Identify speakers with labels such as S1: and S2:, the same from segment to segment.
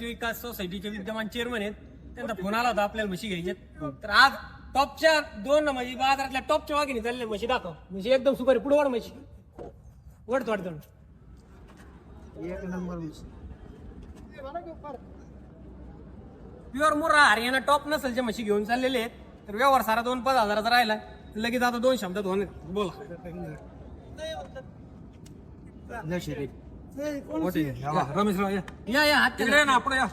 S1: रहित विकास सोसायटीचे विद्यमान चेअरमन आहेत. त्यांचा फोन आला होता आपल्याला म्हशी घ्यायच्यात. तर आज टॉपच्या दोन म्हणजे बाजारातल्या टॉपच्या वाघिणी चालल्या म्हशी दाखव. म्हणजे एकदम सुपारी पुढे वाढ म्हशी वडत वाढत
S2: एक number
S1: pure Murrah Haryana top नसलच्या म्हशी घेऊन चाललेले आहेत. तर व्यवहार सारा 2-5 हजाराचा राहिला. लगेच आता 2 शब्दात होणे बोला. रमेश या या हात तिकडे ना आपण या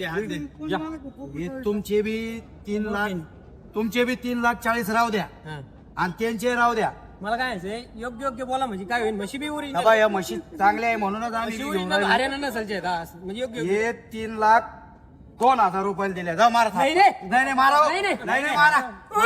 S2: हे तुमचे बी 3 लाख, तुमचे बी 3,40,000 राहू द्या आणि त्यांचे राहू द्या.
S1: मला काय आहे योग्य योग्य बोला म्हणजे काय होईल. म्हशी बी उरी
S2: बाबा या म्हशी चांगल्या आहे म्हणूनच आम्ही घेऊन राहिलो.
S1: हरियाणा नसलचे आहेत हा. म्हणजे योग्य
S2: हे 3,02,000 रुपये दिले. जा मारा
S1: नाही रे.
S2: नाही मारा
S1: नाही, नाही.
S2: नाही मारा.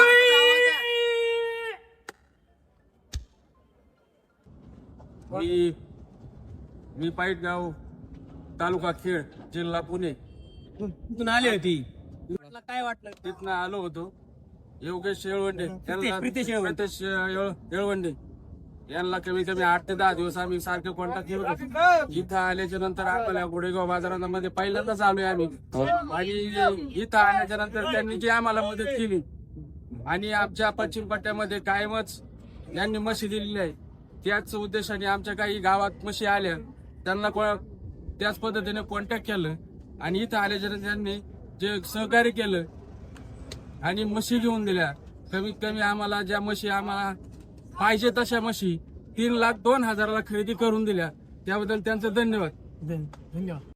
S3: मी पाईटगाव तालुका खेड जिल्हा पुणे
S1: कुठून आली होती. तुला काय वाटलं.
S3: तिथनं आलो होतो. योगेश येळवंडे
S1: प्रितेश येळवंडे.
S3: प्रितेश येळवंडे यांना कमी कमी 8 ते 10 दिवस आम्ही सारखे कॉन्टॅक्ट केलं होतं. इथं आल्याच्या नंतर आम्हाला गोडेगाव बाजारामध्ये पहिल्यांदाच आलोय आम्ही. आणि इथं आल्याच्या नंतर त्यांनी जी आम्हाला मदत केली आणि आमच्या पश्चिम पट्ट्यामध्ये कायमच यांनी म्हशी दिलेली आहे. त्याच उद्देशाने आमच्या काही गावात म्हशी आल्या त्यांना त्याच पद्धतीने कॉन्टॅक्ट केलं आणि इथं आल्याच्या नंतर त्यांनी जे सहकार्य केलं आणि म्हशी घेऊन दिल्या. कमीत कमी आम्हाला ज्या म्हशी आम्हाला पाहिजे तशा म्हशी 3,02,000 खरेदी करून दिल्या. त्याबद्दल त्यांचं धन्यवाद.
S1: धन्यवाद.